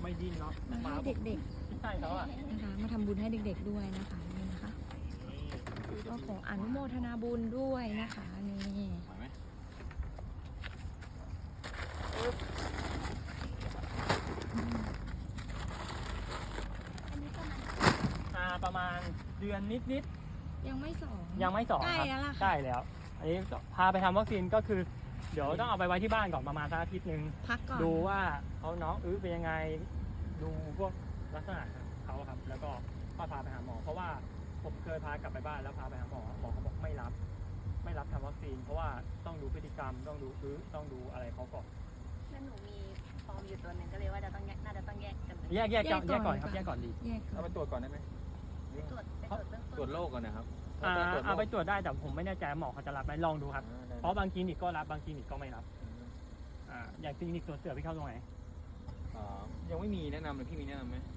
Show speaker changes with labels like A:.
A: ไม่ดิ้นเนาะ
B: มาให้เด็ก
A: ใช่เขาอ่ะ
B: ๆนะคะมาทำบุญให้เด็กๆด้วยนะคะนี่นะคะก็ขออนุโมทนาบุญด้วยนะคะนี่
C: ไหวไหม
A: ประมาณเดือนนิด
B: ยังไม่สอง
A: ๆยังไม่2
B: ใกล้
A: ครับ
B: แล้วล่ะ
A: ใกล้แล้ว อันนี้พาไปทำวัคซีนก็คือ เดี๋ยวต้องเอาไปไว้ที่บ้านก่อนประมาณสักอาทิตย์นึง
B: พักก่อน
A: ดูว่าเขาน้องเป็นยังไงดูพวกลักษณะเขาครับ แล้วก็พาไปหาหมอ เพราะว่าผมเคยพากลับไปบ้านแล้วพาไปหาหมอเขาบอกไม่รับทำวัคซีน เพราะว่าต้องดูพฤติกรรมต้องดูอะไรเขาก่อน
D: แล้วหนูมีฟอร์มอยู่ตัวหนึ่งก็เลยว่าน่าจะต้องแยกกันเลย
A: แยกก่อนครับแยกก่อนดี
B: แยกก่อ
C: เอา
B: น
C: ไปตรวจก่อนได้ไหม
D: ไปตรวจเบื้อง
C: ตร
D: ต้
C: วน จโรคก่อนนะครับ
A: เอาไปตรวจได้แต่ผมไม่แน่ใจหมอเขาจะรับไหมลองดูครับ เพราะบางคลินิกก็รับบางคลินิกก็ไม่รับอย่างคลินิกตัวเสือพี่เข้าตรงไหน
C: ยังไม่มีแนะนำเลยพี่มีแนะนำไหม